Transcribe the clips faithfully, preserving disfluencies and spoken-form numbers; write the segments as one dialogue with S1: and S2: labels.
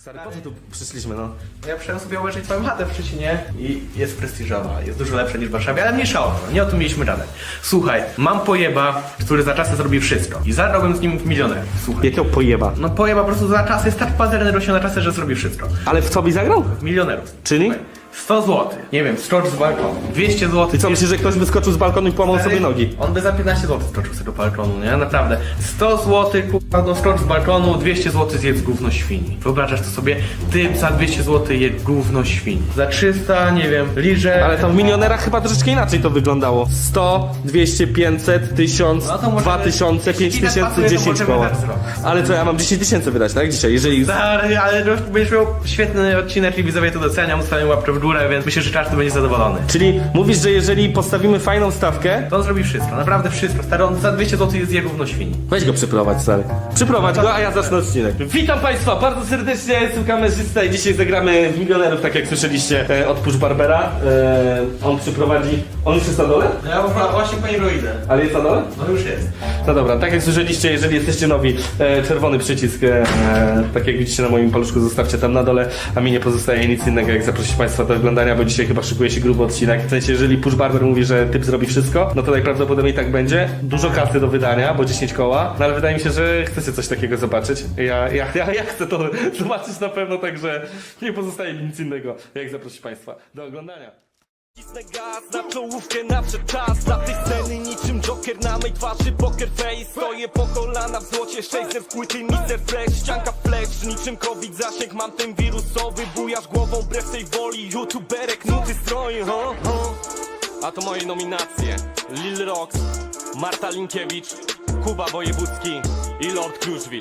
S1: Stary, po co tu przyszliśmy, no?
S2: Ja przyszedłem sobie obejrzeć twoją chatę w Szczecinie i jest prestiżowa, jest dużo lepsza niż w Warszawie, ale mniejsza o to, nie o tym mieliśmy gadać. Słuchaj, mam pojeba, który za czasy zrobi wszystko i zagrałbym z nim w milioner. Słuchaj.
S1: Jakiego pojeba?
S2: No pojeba po prostu za czasy, jest tak pazerny rośnie na czasy, że zrobi wszystko.
S1: Ale w co byś zagrał?
S2: W milionerów.
S1: Czyli?
S2: Słuchaj, sto złotych, nie wiem, skocz z balkonu, dwieście złotych.
S1: I co, myślisz, że ktoś wyskoczył z balkonu i połamał sobie nogi?
S2: On by za piętnaście złotych skoczył sobie do balkonu, nie? Naprawdę. sto złotych, kurwa, no skocz z balkonu, dwieście złotych zjedz gówno świni. Wyobrażasz to sobie? Ty za dwieście złotych jedz gówno świni. Za trzysta, nie wiem, liże.
S1: Ale tam w milionerach chyba troszeczkę inaczej to wyglądało. sto, dwieście, pięćset, tysiąc,
S2: No to możemy-
S1: dwa tysiące, pięć
S2: jeśli tak
S1: tysięcy,
S2: pasuje, to
S1: dziesięć
S2: możemy
S1: koła.
S2: tak zrobić.
S1: Ale co, ja mam dziesięć tysięcy wydać, tak? Dzisiaj, jeżeli...
S2: Stary, ale no, będziesz miał świetny odcinek i widzowie to doceniam, ustawiam łapkę w górę, więc myślę, że każdy będzie zadowolony.
S1: Czyli mówisz, że jeżeli postawimy fajną stawkę,
S2: To on zrobi wszystko, naprawdę wszystko. Stary, on za dwieście złotych jest je gówno świni.
S1: weź go przyprowadź, stary. Przyprowadź go, a ja zacznę odcinek. Witam Państwa bardzo serdecznie, jestem kamerzysta i dzisiaj zagramy w milionerów, tak jak słyszeliście e, od Push Barbera. E, on przyprowadzi... On już jest na dole?
S2: No ja właśnie po niego idę.
S1: Ale jest na dole?
S2: No już jest.
S1: No dobra, tak jak słyszeliście, jeżeli jesteście nowi, e, czerwony przycisk, e, tak jak widzicie na moim paluszku, zostawcie tam na dole, a mi nie pozostaje nic innego, jak zaprosić Państwa do oglądania, bo dzisiaj chyba szykuje się gruby odcinek. W sensie, jeżeli Push Barber mówi, że typ zrobi wszystko, no to najprawdopodobniej tak będzie. Dużo kasy do wydania, bo dziesięć koła, no ale wydaje mi się, że chcecie coś takiego zobaczyć. Ja, ja, ja, ja chcę to zobaczyć na pewno, także nie pozostaje mi nic innego, jak zaprosić Państwa do oglądania.
S3: Cisnę gaz na czołówkę, nadszedł czas dla tej sceny niczym Joker na mej twarzy poker face. Stoję po kolana w złocie, sześćset płyty mister Fresh, ścianka flash, niczym COVID zasięg mam ten wirusowy, bujasz głową wbrew tej woli, youtuberek nuty stroi, ho, ho. A to moje nominacje: Lil Rox, Marta Linkiewicz, Kuba Wojewódzki i Lord Kruszwil.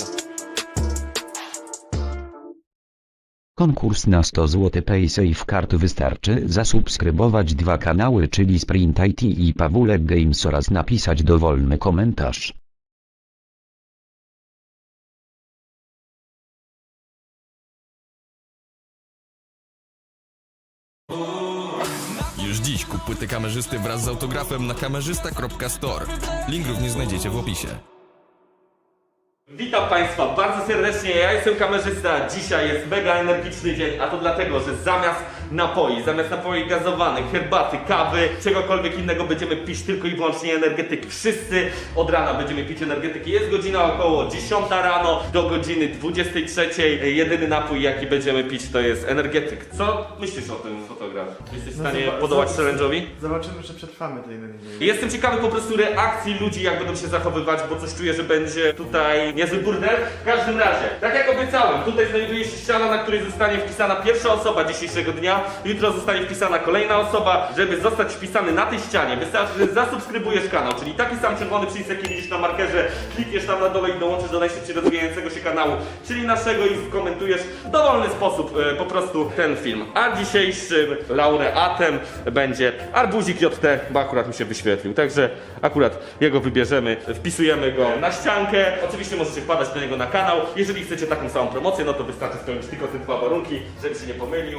S4: Konkurs na sto złotych PaySafe Card wystarczy zasubskrybować dwa kanały, czyli Sprint I T i Pawulek Games oraz napisać dowolny komentarz.
S5: Już dziś kup płyty kamerzysty wraz z autografem na kamerzysta kropka store. Link również znajdziecie w opisie.
S1: Witam Państwa bardzo serdecznie, ja jestem kamerzysta. Dzisiaj jest mega energiczny dzień, a to dlatego, że zamiast napoi, zamiast napoi gazowanych, herbaty, kawy, czegokolwiek innego będziemy pić tylko i wyłącznie energetyki. Wszyscy od rana będziemy pić energetyki. Jest godzina około dziesiąta rano do godziny dwudziestej trzeciej. Jedyny napój jaki będziemy pić to jest energetyk. Co myślisz o tym, fotograf? Jesteś w stanie podołać challenge'owi?
S6: Zobaczymy, czy przetrwamy tej energii.
S1: Jestem ciekawy po prostu reakcji ludzi, jak będą się zachowywać, bo coś czuję, że będzie tutaj niezły burdel. W każdym razie, tak jak obiecałem, tutaj znajduje się ściana, na której zostanie wpisana pierwsza osoba dzisiejszego dnia. Jutro zostanie wpisana kolejna osoba. Żeby zostać wpisany na tej ścianie, wystarczy, że zasubskrybujesz kanał, czyli taki sam czerwony przycisk, jaki widzisz na markerze, klikniesz tam na dole i dołączysz do najszybciej rozwijającego się kanału, czyli naszego, i skomentujesz w dowolny sposób e, po prostu ten film. A dzisiejszym laureatem będzie Arbuzik J T, bo akurat mi się wyświetlił, także akurat jego wybierzemy, wpisujemy go na ściankę. Oczywiście możecie wpadać do niego na kanał. Jeżeli chcecie taką samą promocję, no to wystarczy spełnić tylko te dwa warunki, żeby się nie pomylił.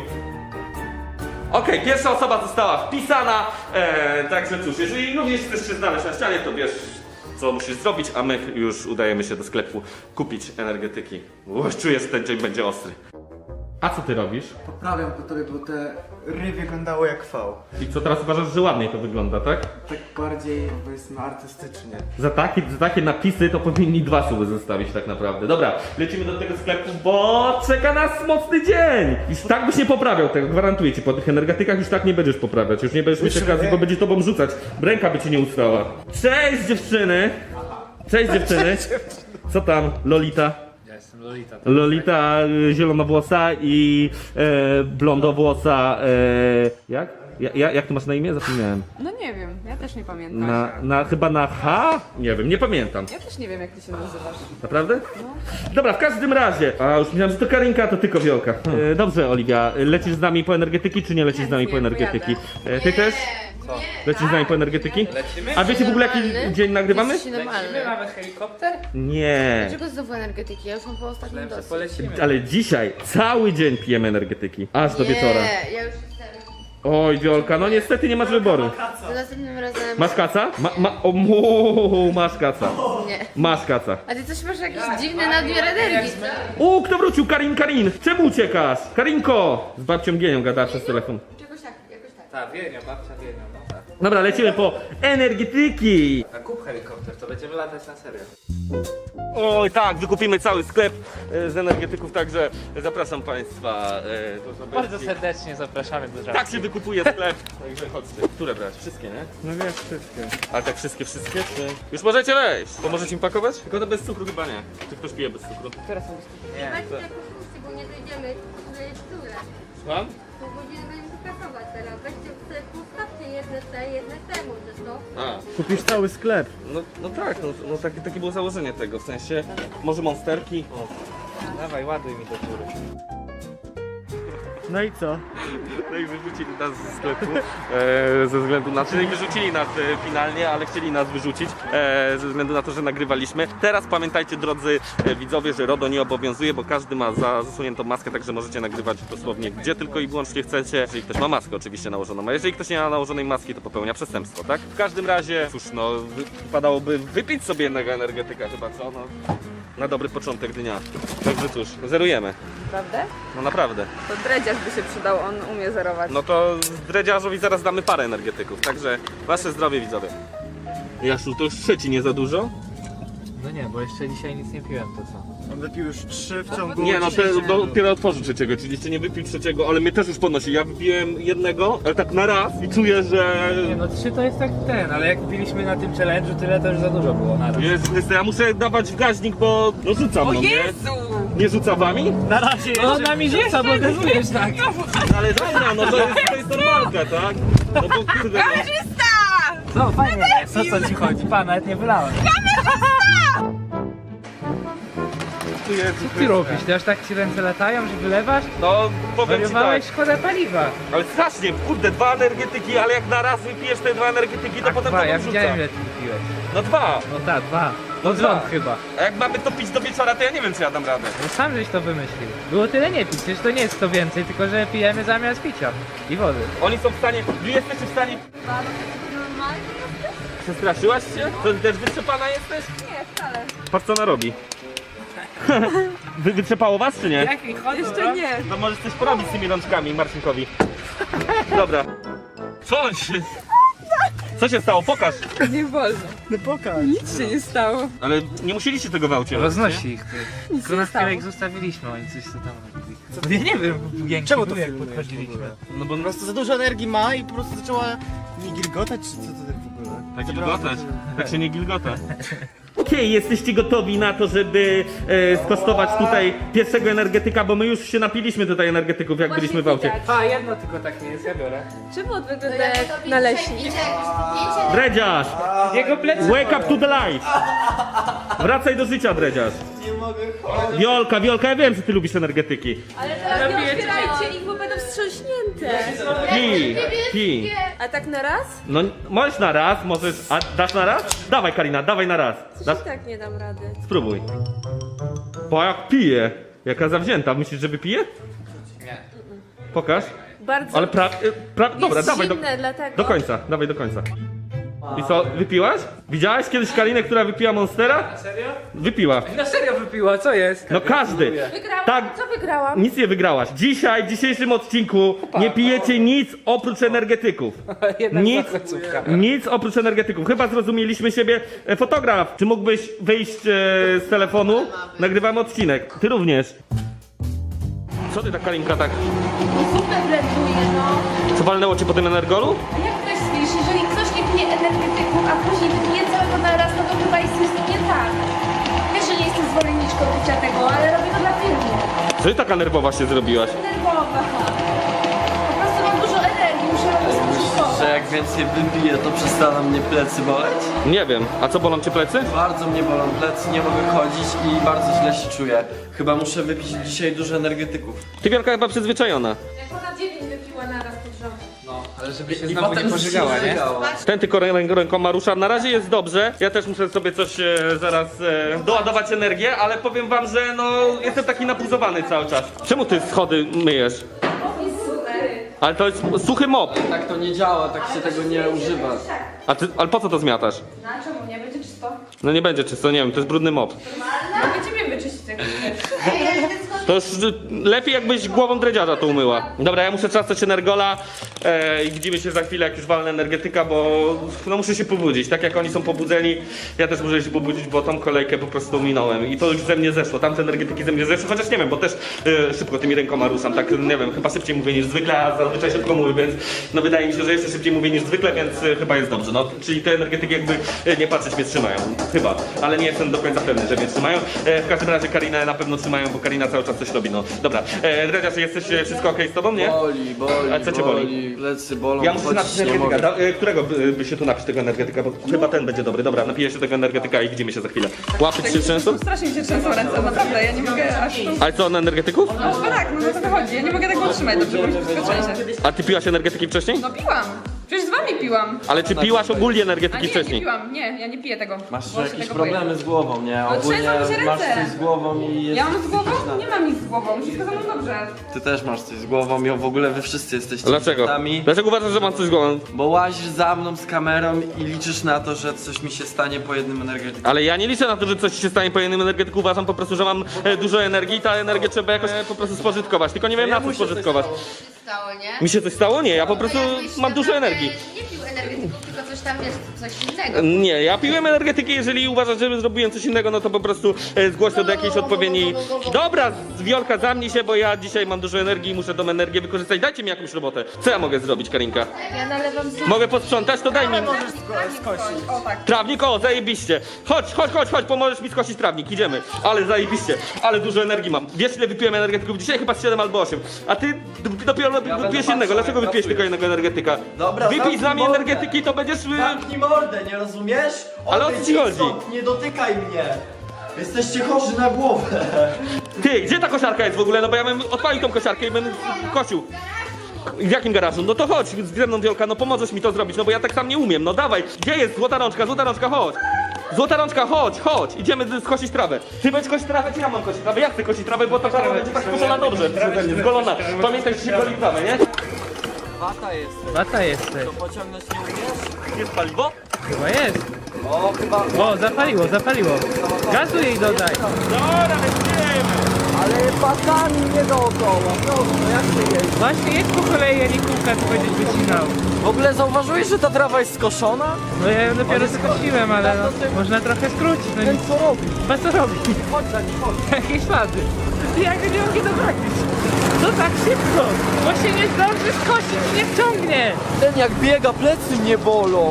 S1: Okej, okay, pierwsza osoba została wpisana, eee, także cóż, jeżeli również chcesz się znaleźć na ścianie, to wiesz, co musisz zrobić, a my już udajemy się do sklepu kupić energetyki. Uż, czuję, że ten dzień będzie ostry. A co ty robisz?
S6: Poprawiam po tobie, bo te ry wyglądały jak V.
S1: I co, teraz uważasz, że ładniej to wygląda, tak?
S6: Tak bardziej, powiedzmy, artystycznie.
S1: Za takie, za takie napisy to powinni dwa suby zostawić tak naprawdę. Dobra, lecimy do tego sklepu, bo czeka nas mocny dzień! Już tak byś nie poprawiał tego, gwarantuję ci, po tych energetykach już tak nie będziesz poprawiać, już nie będziesz mieć
S6: Już
S1: okazji,
S6: nie.
S1: bo będzie tobą rzucać. Ręka by ci nie ustała. Cześć dziewczyny! Cześć dziewczyny! Co tam, Lolita?
S6: Ja jestem Lolita.
S1: Lolita y, zielonowłosa i e, blondowłosa, e, jak? Ja, ja, jak ty masz na imię? Zapomniałem.
S7: No nie wiem, ja też nie pamiętam.
S1: Na, na, chyba na H? Nie wiem, nie pamiętam.
S7: Ja też nie wiem, jak ty się nazywasz.
S1: Naprawdę? Dobra, w każdym razie. A już myślałem, że to Karinka, to ty Kowiołka. E, dobrze, Oliwia, lecisz z nami po energetyki, czy nie lecisz z nami po energetyki? E, ty też? Lecisz z nami po energetyki?
S8: Lecimy?
S1: A wiecie w ogóle jaki
S8: Normalny?
S1: dzień nagrywamy?
S8: Jesteś normalny.
S7: Lecimy,
S8: mamy helikopter?
S1: Nie.
S8: Dlaczego znowu energetyki? Ja już mam po ostatnim dosyć.
S1: Ale dzisiaj cały dzień pijemy energetyki. Aż do wieczora.
S8: Nie, ja już jestem
S1: Oj, Wiolka, no niestety nie masz wyboru.
S8: To następnym razem...
S1: Masz kaca? Ma, ma, o, mu, masz kaca.
S8: Nie.
S1: Masz kaca.
S8: A ty coś masz jakiś dziwny nadmiar energii, co?
S1: U, kto wrócił? Karin, Karin! Czemu uciekasz? Karinko! Z babcią Gienią gada przez telefon.
S8: Czegoś tak, jakoś tak.
S2: Ta, Wienia, babcia Wienia, no tak.
S1: Dobra, lecimy po energetyki!
S2: A kup helikopter, to będziemy latać na serio.
S1: Oj tak, wykupimy cały sklep e, z energetyków, także zapraszam Państwa e, do zobaczenia.
S2: Bardzo serdecznie zapraszamy do żartu.
S1: Tak się wykupuje sklep, także chodźcie. Które brać? Wszystkie, nie?
S2: No wiesz, wszystkie.
S1: Ale tak wszystkie, wszystkie? Czy... Już możecie wejść! Pomożecie mi pakować? Tylko to bez cukru chyba nie. Czy ktoś pije bez cukru?
S2: Nie.
S9: Weźcie te kursy, bo nie dojdziemy, to jest które.
S1: Słucham?
S9: Pół godziny będziemy kasować teraz. Weźcie sobie postawcie jedne te, jedne temu, że to.
S1: A,
S6: Kupisz cały sklep.
S1: no, no tak, no, no takie, takie było założenie tego, w sensie może monsterki. O.
S2: Dawaj, ładuj mi do góry.
S6: No i co?
S1: No i wyrzucili nas ze sklepu, e, ze względu na to, że nie wyrzucili nas e, finalnie, ale chcieli nas wyrzucić, e, ze względu na to, że nagrywaliśmy. Teraz pamiętajcie, drodzy e, widzowie, że RODO nie obowiązuje, bo każdy ma za, zasuniętą maskę, także możecie nagrywać dosłownie gdzie tylko i wyłącznie chcecie. Jeżeli ktoś ma maskę oczywiście nałożoną, a jeżeli ktoś nie ma nałożonej maski, to popełnia przestępstwo, tak? W każdym razie, cóż, no, wy, wypadałoby wypić sobie jednego energetyka chyba, co? No, na dobry początek dnia. Także cóż, zerujemy.
S7: Prawda?
S1: No naprawdę.
S7: To dredziarz by się przydał, on umie zerować.
S1: No to dredziarzowi zaraz damy parę energetyków, także wasze zdrowie widzowie. Jasiu, to już trzeci nie za dużo?
S2: No nie, bo jeszcze dzisiaj nic nie piłem, to co?
S6: On wypił już trzy w ciągu
S1: Nie, no te,
S6: dzisiejszego dnia.
S1: dopiero otworzył trzeciego, czyli jeszcze nie wypił trzeciego, ale mnie też już podnosi. Ja wypiłem jednego, ale tak na raz i czuję, że...
S2: Nie, no trzy to jest tak ten, ale jak piliśmy na tym challenge'u, tyle to już za dużo było na raz.
S1: Jezu Chryste, ja muszę dawać w gaźnik, bo no rzucam,
S7: O
S1: no nie?
S7: Jezu!
S1: Nie rzuca wami?
S6: Na razie
S2: No
S6: jeszcze.
S2: na mi rzuca, bo gazujesz tak.
S1: Ale dobra, no to jest, to jest normalka, tak? No bo kurde, no.
S2: No fajnie jest, o co ci chodzi? Pan, nawet nie wylałem.
S1: Jezu
S2: Co ty
S1: Chryste.
S2: robisz? Ty aż tak ci ręce latają, że wylewasz?
S1: No powiem ci tak.
S2: Wariowałeś, szkoda paliwa.
S1: Ale strasznie, kurde, dwa energetyki, ale jak na raz wypijesz te dwa energetyki, to potem
S2: Dwa,
S1: to
S2: ja
S1: wrzuca.
S2: widziałem ile ty wypiłeś.
S1: No dwa.
S2: No tak, dwa. No
S1: dwa.
S2: rząd chyba.
S1: A jak mamy to pić do wieczora, to ja nie wiem, czy ja dam radę.
S2: No sam żeś to wymyślił. Było tyle nie pić, przecież to nie jest to więcej, tylko że pijemy zamiast picia. I wody.
S1: Oni są w stanie, wy jesteście w stanie...
S9: Normalnie?
S1: Przestraszyłaś się? To ty też wytrzepana jesteś?
S9: Nie, wcale.
S1: Patrz co ona robi. Wy, wytrzepało was, czy nie?
S2: Jaki chodzi?
S7: Jeszcze nie.
S1: No możesz coś porobić z tymi rączkami Marcinkowi. Dobra. Co on się... Co się stało? Pokaż.
S7: Nie wolno.
S6: No pokaż.
S7: Nic się nie stało.
S1: Ale nie musieliście tego w aucie robić,
S2: Roznosi ich ty.
S7: Nic
S2: Tylko
S7: nie
S2: na
S7: stało.
S2: chwilę ich zostawiliśmy, oni coś co tam robili. Co? Ja nie wiem, Jęki,
S6: Czemu to
S2: jak
S6: filmujesz
S2: podchodziliśmy.
S6: w ogóle?
S1: No bo
S6: Po prostu za dużo energii ma i po prostu zaczęła nie gilgotać, czy co to tak w ogóle?
S1: tak
S6: Zabrała-
S1: gilgotać. Tak się nie gilgota. Okej, jesteście gotowi na to, żeby e, skosztować tutaj pierwszego energetyka, bo my już się napiliśmy tutaj energetyków, jak byliśmy w aucie.
S2: A, jedno tylko takie jest, ja biorę.
S7: Czemu on wygląda jak naleśnik?
S1: Dredziarz!
S2: Jego plecy.
S1: Wake up to the light! Wracaj do życia, Dredziarz.
S6: Nie mogę chodzić.
S1: Wiolka, Wiolka, ja wiem, że ty lubisz energetyki.
S7: Ale teraz nie otwierajcie ich, bo będą wstrząśnięte.
S1: Pi, pi.
S7: A tak na raz?
S1: No, możesz na raz, możesz... A dasz na raz? Dawaj, Karina, dawaj na raz. Dasz?
S7: I tak nie dam rady.
S1: Spróbuj. Bo jak pije. Jaka zawzięta. Myślisz, że wypije?
S2: Nie.
S1: Pokaż.
S7: Bardzo
S1: Ale pra... y, pra... Dobra,
S7: jest
S1: dawaj do,
S7: zimne, dlatego.
S1: do końca. Dawaj do końca. I co, wypiłaś? Widziałaś kiedyś Karinę, która wypiła Monstera?
S2: Serio?
S1: Wypiła.
S2: Na serio wypiła, co jest?
S1: No każdy.
S7: Wygrałam.
S1: Tak.
S7: Co wygrałam?
S1: Nic nie wygrałaś. Dzisiaj, w dzisiejszym odcinku nie pijecie nic oprócz energetyków.
S2: Jedna
S1: Nic,
S2: końcówka.
S1: nic oprócz energetyków. Chyba zrozumieliśmy siebie. E, Fotograf, czy mógłbyś wyjść e, z telefonu? Nagrywamy odcinek. Ty również. Co ty tak, Karinka, tak?
S9: Super blenduje, no.
S1: Co walnęło cię po tym energolu?
S9: A jak to jest, wiesz, jeżeli ktoś nie pije energetyków, a później wypije całego na raz, no to chyba jest coś nie tak. Wiesz, że nie jestem zwolenniczką picia tego, ale robię to dla filmu.
S1: Co ty taka nerwowa się zrobiłaś?
S9: Nerwowa. Po prostu mam dużo energii, muszę robić spożytkować.
S10: Że jak więcej wypiję, to przestaną mnie plecy boleć?
S1: Nie wiem. A co, bolą cię plecy?
S10: Bardzo mnie bolą plecy, nie mogę chodzić i bardzo źle się czuję. Chyba muszę wypić dzisiaj dużo energetyków.
S1: Ty, Wielka, chyba przyzwyczajona.
S9: Jak ona dziewięć wypiła na raz pod rząd.
S2: No, ale żeby się
S10: I
S2: znowu nie
S10: potem
S2: pożygała,
S10: się
S2: nie?
S10: żygała.
S1: Ten tylko rę- rękoma rusza. Na razie jest dobrze. Ja też muszę sobie coś e, zaraz e, doładować energię, ale powiem wam, że no jestem taki napuzowany cały czas. Czemu ty schody myjesz?
S9: O, jest super.
S1: Ale to jest suchy mop.
S10: Tak to nie działa, tak się tego nie używa.
S1: A ty, ale po co to zmiatasz?
S9: No a czemu? Nie będzie czysto?
S1: No nie będzie czysto, nie wiem, to jest brudny mop.
S9: No będziemy wyczyścić tego.
S1: To już y, lepiej jakbyś głową dredziarza to umyła. Dobra, ja muszę trzasnąć energola e, i widzimy się za chwilę, jak już walnę energetyka, bo no muszę się pobudzić. Tak jak oni są pobudzeni, ja też muszę się pobudzić, bo tą kolejkę po prostu minąłem i to już ze mnie zeszło. Tamte energetyki ze mnie zeszły, chociaż nie wiem, bo też e, szybko tymi rękoma ruszam, tak nie wiem, chyba szybciej mówię niż zwykle, a zazwyczaj szybko mówię, więc no wydaje mi się, że jeszcze szybciej mówię niż zwykle, więc e, chyba jest dobrze. No, czyli te energetyki jakby e, nie patrzeć mnie trzymają, chyba, ale nie jestem do końca pewny, że mnie trzymają. E, w każdym razie Karinę na pewno trzymają, bo Karina cały czas coś robi, no. Dobra, e, Dredziarz, jesteś e, wszystko okej z tobą, nie?
S10: Boli, boli,
S1: A co cię boli?
S10: Plecy bolą,
S1: Ja muszę
S10: chodzić
S1: napić
S10: nie
S1: energetyka.
S10: mogę.
S1: Da, e, którego by, by się tu napić tego energetyka, bo chyba ten będzie dobry. Dobra, napiję się tego energetyka i widzimy się za chwilę. Łapy się często?
S9: Strasznie mi się trzęsą ręce, naprawdę, ja nie mogę aż tu...
S1: Ale co, na energetyków?
S9: No chyba tak, no o to chodzi, ja nie mogę tego utrzymać, dobrze, bo mi przyzwyczaicie.
S1: A ty piłaś energetyki wcześniej?
S9: No piłam, przecież z wami piłam.
S1: Ale czy piłaś ogólnie
S9: A
S1: energetyki
S9: nie, nie
S1: wcześniej?
S9: piłam, nie, ja nie piję tego.
S10: Masz
S9: bo się
S10: jakieś
S9: tego
S10: problemy
S9: boję.
S10: z głową, nie?
S9: No
S10: Ogólnie
S9: trzęsą mi się
S10: masz
S9: ręce.
S10: coś z głową i jest...
S9: Ja mam z głową? Nie mam nic z głową, wszystko ze mną dobrze.
S10: Ty też masz coś z głową i w ogóle wy wszyscy jesteście
S1: Dlaczego?
S10: idiotami,
S1: Dlaczego uważasz, że mam coś z głową?
S10: bo łazisz za mną z kamerą i liczysz na to, że coś mi się stanie po jednym energetyku.
S1: Ale ja nie liczę na to, że coś ci się stanie po jednym energetyku. Uważam po prostu, że mam e, dużo energii i ta energię trzeba jakoś e, po prostu spożytkować. Tylko nie wiem na co spożytkować.
S8: Stało, nie?
S1: Mi się coś stało? Nie, ja po prostu
S8: Jakbyś
S1: mam dużo
S8: naprawdę
S1: energii.
S8: Nie pił energetyków, tylko coś tam jest, coś innego.
S1: Nie, ja piłem energetyki, jeżeli uważasz, że zrobiłem coś innego, no to po prostu e, zgłoś to do jakiejś odpowiedniej... Dobra, Wiolka, zamknij się, bo ja dzisiaj mam dużo energii i muszę tą energię wykorzystać. Dajcie mi jakąś robotę. Co ja mogę zrobić, Karinka?
S8: Ja nalewam zup.
S1: Mogę posprzątać? To daj mi...
S9: O tak.
S1: Trawnik, o, zajebiście. Chodź, chodź, chodź, chodź, pomożesz mi skosić trawnik, idziemy. Ale zajebiście, ale dużo energii mam. Wiesz, ile wypiłem energetyków dzisiaj? Chyba z siedem albo osiem. A ty d- dopiero
S10: będę
S1: wypijesz
S10: patrzył,
S1: jednego. Dlaczego
S10: jak
S1: wypijesz
S10: pracujesz.
S1: tylko jednego energetyka?
S10: Dobra,
S1: Wypij z
S10: zamknij
S1: nami
S10: mordę.
S1: energetyki, to będziesz... y,
S10: Zamknij mordę, nie rozumiesz?
S1: Ale o co ci chodzi?
S10: Stąd, nie dotykaj mnie! Jesteście chorzy na głowę!
S1: Ty, gdzie ta kosiarka jest w ogóle? No bo ja bym odpalił tą kosiarkę i bym kosił. W jakim garażu? No to chodź ze mną, Wiolka, no pomożesz mi to zrobić, no bo ja tak sam nie umiem, no dawaj. Gdzie jest złota rączka, złota rączka, chodź. Złota rączka, chodź, chodź, idziemy skosić trawę. Ty będziesz kosić trawę, czy ja mam kosić trawę? Ja chcę kosić trawę, bo ta trawa będzie tak skoszona dobrze przeze mnie, zgolona. Pamiętaj, że się goli trawę, nie?
S10: Wata jest.
S2: Wata jesteś.
S10: To pociągnąć nie umiesz?
S1: Jest paliwo?
S2: Chyba jest.
S10: O, chyba...
S2: O, zapaliło, zapaliło. Gazu jej dodaj.
S1: Dobra, lecimy.
S10: Ale patami nie dookoła, proszę, jak się jeździ?
S2: Właśnie jedź po kolei, a nie kółka, to będziesz wycinał.
S10: W ogóle zauważyłeś, że ta trawa jest skoszona?
S2: No ja ją dopiero skosiłem, ale no, można trochę skrócić. No
S10: Ten
S2: nic.
S10: co robi?
S2: Chyba co robi?
S10: Chodź za nim, chodź.
S2: Jakie ślady. Jak nie mogę doprawić? No tak szybko, bo się nie zdąży skosić, nie wciągnie.
S10: Ten jak biega, plecy mnie bolą.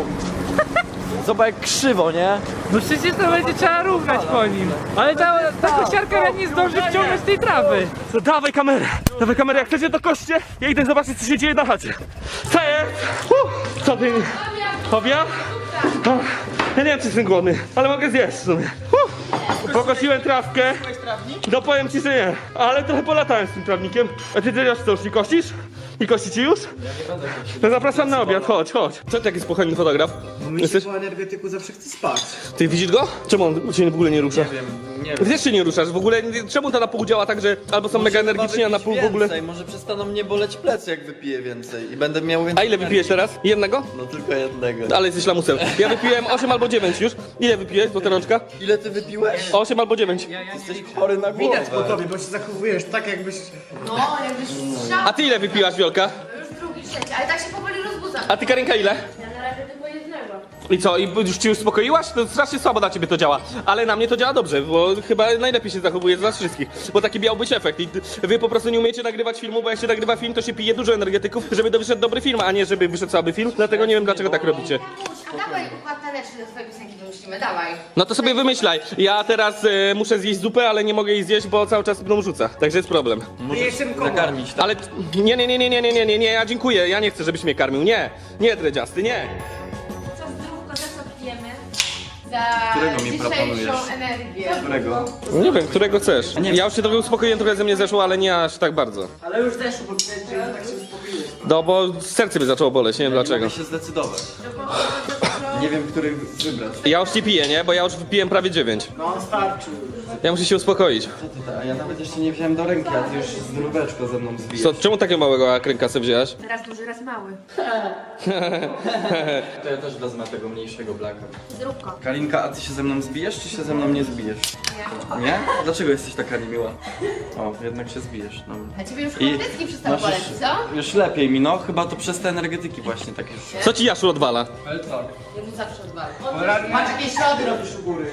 S10: Zobacz jak krzywo, nie?
S2: No przecież to będzie trzeba równać po nim. Ale ta, ta kosiarka nie zdąży wciągnąć tej trawy.
S1: To dawaj kamerę, dawaj kamerę, jak chcecie to koście. Ja idę zobaczyć, co się dzieje na chacie. Co jest? Uh, co ty? Hobia? Oh, ja nie wiem, czy jestem głodny, ale mogę zjeść w sumie. Uh, pokosiłem trawkę. No powiem ci, że nie, ale trochę polatałem z tym trawnikiem. A ty teraz co, już nie kościsz? I kości ci już? No zapraszam na obiad, chodź, chodź. Co ty taki spokojny fotograf? Jesteś?
S6: Po energetyku zawsze chcę spać.
S1: Ty widzisz go? Czemu on się w ogóle nie rusza?
S10: Nie wiem, nie wiem.
S1: Wiesz, się nie ruszasz, w ogóle czemu to na pół działa tak, że albo są mega energiczni, a na pół w ogóle...
S10: Więcej. Może przestaną mnie boleć plecy, jak wypiję więcej i będę miał więcej.
S1: A ile wypijesz teraz? Jednego?
S10: No tylko jednego.
S1: Ale jesteś lamusem. Ja wypiłem osiem albo dziewięć już. Ile wypijesz, złota rączka?
S10: Ile ty wypiłeś?
S1: osiem albo dziewięć.
S10: Jesteś chory na głowę.
S6: Widać po tobie, bo się zachowujesz tak jakbyś...
S8: No, jakbyś strzał.
S1: A ty ile wypiłaś, Wiolka?
S8: Już drugi, trzeci, ale tak się powoli rozbudzam.
S1: A ty, Karinka, ile?
S8: Ja na razie tylko jednego.
S1: I co, i już ci uspokoiłaś? To strasznie słabo na ciebie to działa. Ale na mnie to działa dobrze, bo chyba najlepiej się zachowuje z nas wszystkich. Bo taki miał być efekt. I wy po prostu nie umiecie nagrywać filmu, bo jak się nagrywa film, to się pije dużo energetyków, żeby to wyszedł dobry film, a nie żeby wyszedł słaby film. Dlatego nie wiem, dlaczego tak robicie.
S8: A dawaj układ taneczny do twojej piosenki wymyślimy, dawaj.
S1: No to sobie wymyślaj. Ja teraz e, muszę zjeść zupę, ale nie mogę jej zjeść, bo cały czas mną rzuca. Także jest problem.
S10: Nakarmić, tak?
S1: Ale nie, nie, nie, nie, nie, nie, nie, nie, nie, ja dziękuję. Ja nie chcę, żebyś mnie karmił. Nie, nie, dredziasty, nie.
S9: Co zdrówko, za co pijemy?
S8: Za
S10: Którego mi
S8: dzisiejszą
S10: proponujesz?
S8: energię.
S10: Którego?
S1: Nie wiem, którego chcesz. Ja już się trochę uspokoiłem, trochę ze mnie zeszło, ale nie aż tak bardzo.
S6: Ale już też, bo powiedziałeś, że tak się uspokoiłeś.
S1: No bo serce by zaczęło boleć, nie wiem
S10: Nie
S1: dlaczego.
S10: mogę się zdecydować. Nie wiem, który wybrać.
S1: Ja już nie piję, nie? Bo ja już wypiłem prawie dziewięć.
S6: No on starczy.
S11: Ja muszę się uspokoić.
S10: Co ty, a ja nawet jeszcze nie wziąłem do ręki, a ty już z nurweczko ze mną zbijesz.
S11: Co, czemu takiego małego akrynka sobie wzięłaś?
S8: Raz duży, raz mały.
S10: To ja też wezmę tego mniejszego blaka.
S8: Zrób go.
S10: Kalinka, a ty się ze mną zbijesz, czy się ze mną nie zbijesz?
S8: Nie.
S10: Nie? Dlaczego jesteś taka niemiła? O, jednak się zbijesz. No.
S8: A ciebie już
S10: I
S8: chłopecki przestały
S10: masz
S8: boleć,
S10: już,
S8: co?
S10: już lepiej mi, no. Chyba to przez te energetyki właśnie takie już.
S11: Co ci Jaszu odwala?
S10: Ale co?
S8: Ja mu zawsze odwalę.
S6: Masz jakieś ślady robisz u góry.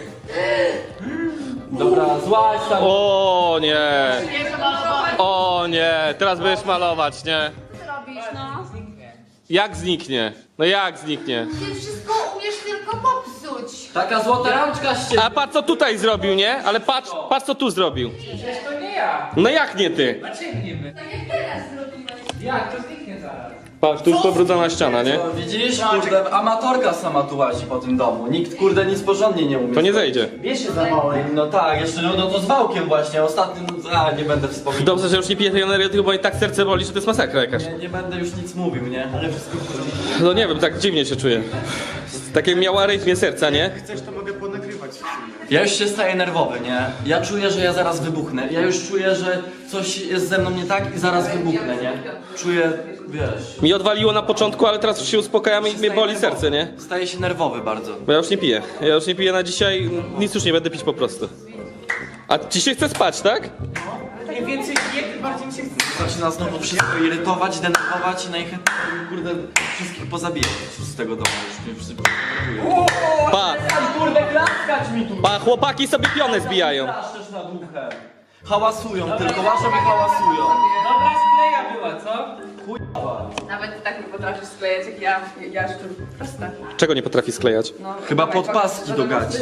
S10: Dobra, złaź tam.
S11: O nie!
S8: Nie, że malowałem.
S11: O nie! Teraz będziesz malować, nie?
S8: Co robisz, no?
S11: Jak zniknie? No jak zniknie?
S8: Ty wszystko umiesz tylko popsuć.
S10: Taka złota rączka z ciebie.
S11: A patrz co tutaj zrobił, nie? Ale patrz, patrz co tu zrobił.
S6: Przecież to nie ja.
S11: No jak nie ty?
S6: Dlaczego niby?
S8: Tak jak teraz zrobiłeś.
S6: Jak? To zniknie zaraz.
S11: Patrz, tu już pobrudzona ściana, nie?
S10: No, widzisz, kurde, amatorka sama tu łazi po tym domu. Nikt, kurde, nic porządnie nie umie.
S11: To nie zejdzie.
S6: Wiesz się zawałek.
S10: No tak, jeszcze no, no to z wałkiem właśnie, ostatnim, a nie będę wspominał.
S11: Dobrze, że już nie piję tej energetyki, bo i tak serce boli, że to jest masakra jakaś.
S10: Nie, nie będę już nic mówił, nie? Ale wszystko w porządku.
S11: No nie wiem, tak dziwnie się czuję. Takie miała rytmie serca, nie?
S6: Chcesz, to mogę ponagrywać.
S10: Ja już się staję nerwowy, nie? Ja czuję, że ja zaraz wybuchnę. Ja już czuję, że coś jest ze mną nie tak i zaraz wybuchnę, nie? Czuję, wiesz...
S11: Mi odwaliło na początku, ale teraz już się uspokajam i mnie boli serce, nie?
S10: Staję się nerwowy bardzo.
S11: Bo ja już nie piję. Ja już nie piję na dzisiaj, nic już nie będę pić po prostu. A ci się chce spać, tak?
S6: Im więcej piję, tym bardziej mi się chce.
S10: Zaczyna znowu wszystko irytować, denerwować i najchętniej, kurde, wszystkich pozabijać z tego domu. Już mnie wszyscy denerwują.
S11: Pa!
S10: Kurde, klaskać mi tu!
S11: Pa, chłopaki sobie pionę zbijają.
S10: Straszesz nad uchem. Hałasują tylko, wasze mi hałasują.
S6: Dobra skleja była, co?
S8: Nawet ty tak nie potrafisz sklejać jak ja, ja szczur. Proste.
S11: Czego nie potrafi sklejać?
S8: No,
S10: Chyba podpaski do gaci.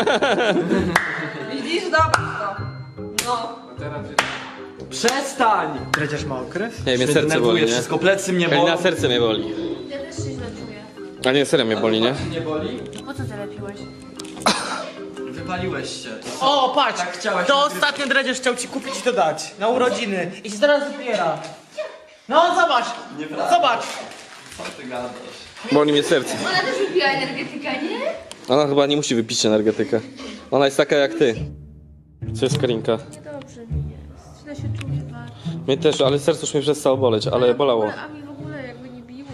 S8: Widzisz? Zobacz to. No.
S10: Przestań!
S6: Dredziarz ma okres?
S11: Nie, mnie serce
S10: Denerwuje
S11: boli, nie?
S10: wszystko, plecy mnie
S11: Karina,
S10: bolą.
S11: serce mnie boli.
S8: Ja też się źle czuję.
S11: A nie, serio mnie boli, nie?
S10: Nie boli?
S8: Po co ty lepiłeś?
S10: Wypaliłeś się.
S6: O, patrz!
S10: Tak chciałeś
S6: To
S10: nagrywać.
S6: ostatnio Dredziarz chciał ci kupić i to dać. Na urodziny. I się zaraz wypiera. No zobacz!
S10: Nieprawda.
S6: Zobacz!
S10: Co ty gadasz?
S11: Boli mnie serce.
S8: Ona też wypiła energetyka, nie?
S11: Ona chyba nie musi wypić energetykę. Ona jest taka jak ty. Co jest Karinka?
S9: Niedobrze mi jest. Źle się czuję bardzo.
S11: Mnie też, ale serce już mnie przestało boleć, ale bolało.
S9: A mi w ogóle jakby nie biło.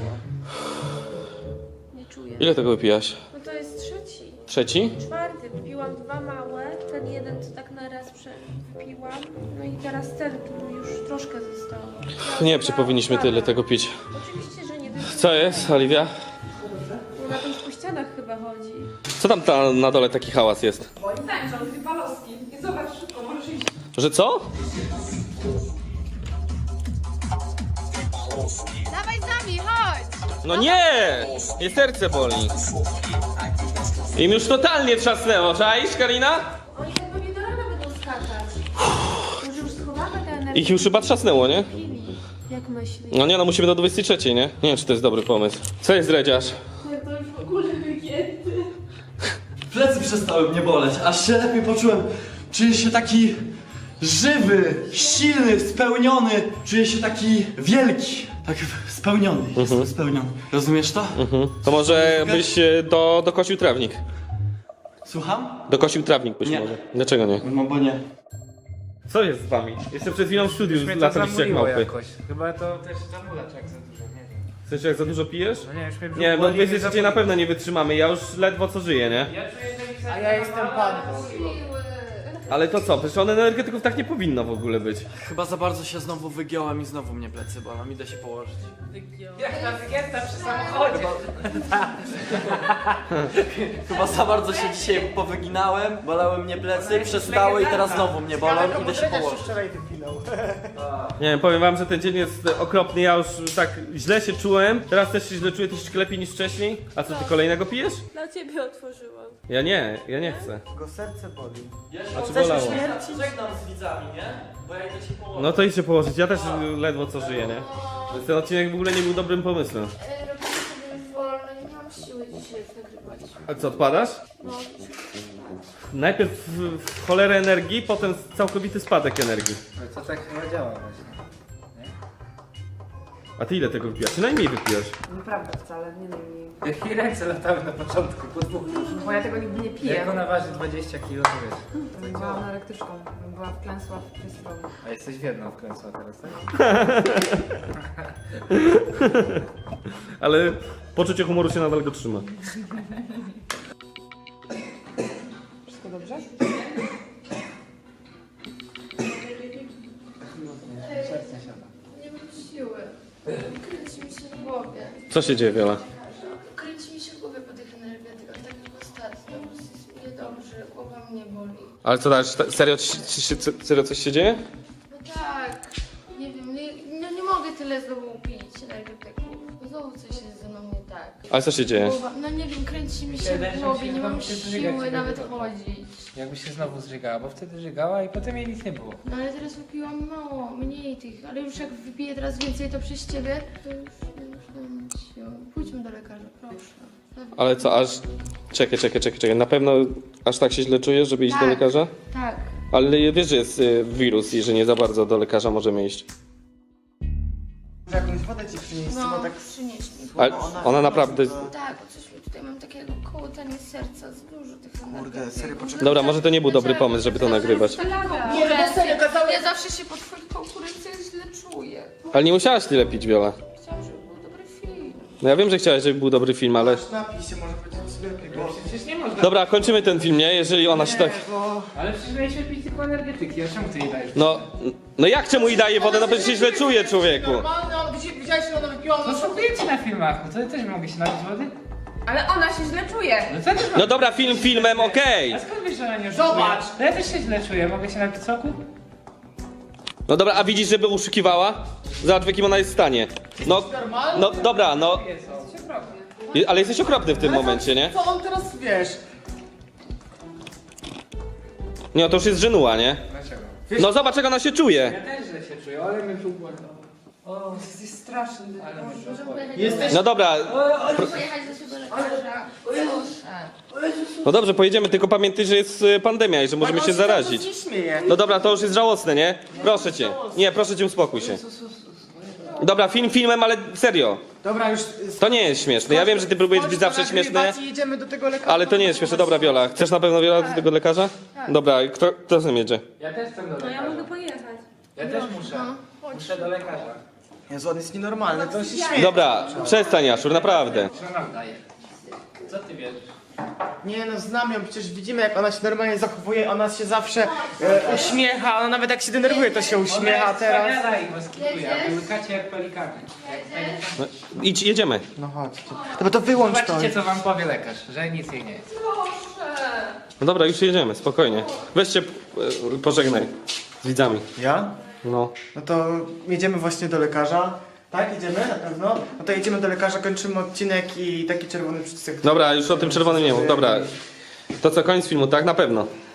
S9: Nie czuję.
S11: Ile tego wypijaś?
S9: No to jest trzeci.
S11: Trzeci?
S9: Czwarty. Wypiłam dwa małe. Ten jeden co tak na raz prze- wypiłam. No i teraz ten tu już troszkę zostało.
S11: Nie, czy powinniśmy tyle tego pić?
S9: Oczywiście, że nie.
S11: Co jest, Oliwia?
S9: No na tych po ścianach chyba chodzi.
S11: Co tam ta, na dole taki hałas jest?
S8: Moim zdaniem, że on dwie paloski. I zobacz szybko, możesz iść.
S11: Że co?
S8: Dawaj z nami, chodź!
S11: No nie! Mnie serce boli. Im już totalnie trzasnęło, czaisz, Karina?
S9: Oni tak pewnie do rana będą skakać. Może już schowamy te energię.
S11: Ich już chyba trzasnęło, nie?
S9: Jak myślisz?
S11: No nie, no musimy do dwudziestej trzeciej, nie? Nie wiem, czy to jest dobry pomysł. Co jest, Dredziarz?
S9: To już w ogóle wygięty.
S10: Plecy przestały mnie boleć, aż się lepiej poczułem. Czuję się taki żywy, silny, spełniony. Czuję się taki wielki. Tak spełniony, jestem spełniony. Rozumiesz to?
S11: Mhm. To może byś e, do, dokosił trawnik.
S10: Słucham?
S11: Dokosił trawnik być
S10: Nie.
S11: może. Dlaczego nie?
S10: No bo nie.
S11: Co jest z wami? Jeszcze przed chwilą w studiu
S6: Mnie to
S11: lataliście jak
S6: zamuliło
S11: małpy.
S6: jakoś. Chyba to też zamulacz jak za dużo, nie wiem.
S11: W sensie, jak za dużo pijesz?
S6: No nie, już mnie brzuch
S11: Nie, bo
S6: boli,
S11: dwudziestej
S6: nie
S11: trzeciej na pewno nie wytrzymamy, ja już ledwo co żyję, nie?
S6: Ja czuję, że mi A ja jestem pan.
S11: Ale to co? Przecież on energetyków tak nie powinno w ogóle być.
S10: Chyba za bardzo się znowu wygiąłem i znowu mnie plecy bolą. Idę się położyć.
S6: Jak ta wygięta przy samochodzie.
S10: Chyba za bardzo się dzisiaj powyginałem, bolały mnie plecy, przestały i teraz znowu mnie bolą. Idę się położyć.
S6: wczoraj wypinał.
S11: Nie wiem, powiem wam, że ten dzień jest okropny, ja już tak źle się czułem. Teraz też się źle czuję troszeczkę lepiej niż wcześniej. A co, ty kolejnego pijesz?
S9: Dla ciebie otworzyłam.
S11: Ja nie, ja nie chcę.
S6: Go serce boli.
S11: A czy bolało?
S10: Żegnam z widzami, nie? Bo ja idę się położyć.
S11: No to idź się położyć, ja też ledwo co żyję, nie? Więc ten odcinek w ogóle nie był dobrym pomysłem.
S8: Robimy sobie już wolno, nie mam siły dzisiaj już nagrywać.
S11: A co, odpadasz?
S8: No.
S11: Najpierw w, w cholerę energii, potem całkowity spadek energii.
S6: Ale to tak chyba działa właśnie.
S11: A ty ile tego wypijasz? Ty najmniej wypijasz.
S8: Nieprawda wcale, nie najmniej.
S6: Jakie ręce latały na początku, po dwóch.
S8: Bo ja tego nigdy nie piję.
S6: Jak ona waży dwadzieścia kilo, to wiesz.
S8: Byłam anorektyczką, była wklęsła w festiwalu.
S6: A jesteś w jedną wkręcła teraz, tak?
S11: Ale poczucie humoru się nadal go trzyma.
S8: Wszystko dobrze?
S9: Nie mam siły. Kręci mi się w głowie.
S11: Co się dzieje, Wiola?
S9: Kręci mi się w głowie po tych energetykach, tak jak ostatnio. Jest mi niedobrze, głowa mnie boli.
S11: Ale co dalej? Serio, ci- ci się- serio coś się dzieje?
S9: No tak, nie wiem, nie, no nie mogę tyle znowu pić energetyków. Znowu coś jest ze mną nie tak.
S11: Ale co się dzieje?
S9: Głowa, no nie wiem, kręci mi się
S6: Wydaje
S9: w
S6: się,
S9: głowie,
S6: że
S9: nie mam
S6: znowu się zżyga
S9: siły
S6: ciebie
S9: nawet
S6: wydobywa.
S9: chodzić.
S6: Jakby się znowu zżygała, bo wtedy żygała i potem jej nic nie było.
S9: No ale teraz wypiłam mało, mniej tych, ale już jak wypiję teraz więcej to przez ciebie, to już nie muszę mieć siły. Pójdźmy do lekarza, proszę.
S11: Ale co, aż... Czekaj, czekaj, czekaj, czekaj. Na pewno aż tak się źle czujesz, żeby iść do
S9: Tak.
S11: lekarza?
S9: Tak.
S11: Ale wiesz, że jest y, wirus i że nie za bardzo do lekarza możemy iść.
S6: Jakąś wodę ci przynieść,
S9: No, przynieś mi.
S11: Ale ona naprawdę...
S9: Tak, coś mi tutaj mam takiego kołotanie serca, z dużo tych
S6: Kurde, serio, poczekaj.
S11: Dobra, może to nie był dobry pomysł, żeby to nagrywać.
S9: Nie, no serio, kazały... Ja zawsze się po twoich konkurencjach źle czuję.
S11: Ale nie musiałaś tyle pić, Wiola.
S9: Chciałam, żeby był dobry film.
S11: No ja wiem, że chciałaś, żeby był dobry film, ale...
S6: Napij się, może będzie ci lepiej, bo... Przecież nie można.
S11: Dobra, kończymy ten film, nie? Jeżeli ona się tak...
S6: Ale przecież mieliśmy pić tylko energetyki, a czemu ty jej dajesz?
S11: No... No jak czemu jej daje wodę? No przecież się źle czuje, człowieku.
S6: Normalne, on widziałeś, że ona wypiła, no szokuje ci na filmach, no to też mogę się napić wody?
S8: Ale ona się źle czuje.
S6: No to też
S11: No dobra, film filmem, okej.
S6: A skąd wiesz, że ona nie oszukuje? Zobacz! No ja też się źle czuję, mogę się napić soku?
S11: No dobra, a widzisz, żeby uszukiwała? Zobacz, w jakim ona jest stanie. No, no dobra, no... Je- Ale jesteś okropny w tym momencie, nie?
S6: Co on teraz, wiesz?
S11: Nie, no to już jest żenuła, nie?
S6: Dlaczego?
S11: No zobacz, jak ona się czuje.
S6: Ja też źle się czuję, ale mnie brzuch boli. O, jest straszny. Ale mnie brzuch boli.
S9: Jesteś...
S11: No dobra,
S9: Pojechać ze sobą do lekarza. Proszę.
S11: no dobrze, pojedziemy, tylko pamiętaj, że jest y, pandemia i że możemy się zarazić.
S6: Nie śmieje.
S11: No dobra, to już jest żałosne, nie? Proszę cię. Nie, proszę cię, uspokój się. Dobra, film filmem, ale serio.
S6: Dobra, już...
S11: To nie jest śmieszne. Ja wiem, że ty próbujesz być zawsze śmieszny,
S6: Jedziemy do tego lekarza.
S11: ale to nie jest śmieszne. Dobra, Wiola, chcesz na pewno, Wiola, do tego lekarza? Dobra, kto, kto z nim jedzie?
S6: Ja też chcę do lekarza.
S7: No ja mogę pojechać.
S6: Ja też muszę. Muszę do lekarza. Jezu, on jest nienormalny, to się śmieje.
S11: Dobra, przestań, Jaszur, naprawdę.
S6: Co nam daje? Co ty wiesz? Nie no, znam ją, przecież widzimy jak ona się normalnie zachowuje, ona się zawsze e, uśmiecha, ona nawet jak się denerwuje to się uśmiecha teraz.
S10: Łykacie jak pelikany.
S11: No, idź, jedziemy.
S6: No chodźcie. Dobra, to wyłącz to.
S10: Zobaczcie co wam powie lekarz, że nic jej nie jest.
S11: No dobra, już jedziemy, spokojnie. Weź się, e, pożegnaj z widzami.
S6: Ja?
S11: No.
S6: No to jedziemy właśnie do lekarza. Tak, jedziemy na pewno? No to jedziemy do lekarza, kończymy odcinek i taki czerwony przycisk.
S11: Dobra, już o tym czerwonym nie mów, dobra. To co, koniec filmu, tak? Na pewno.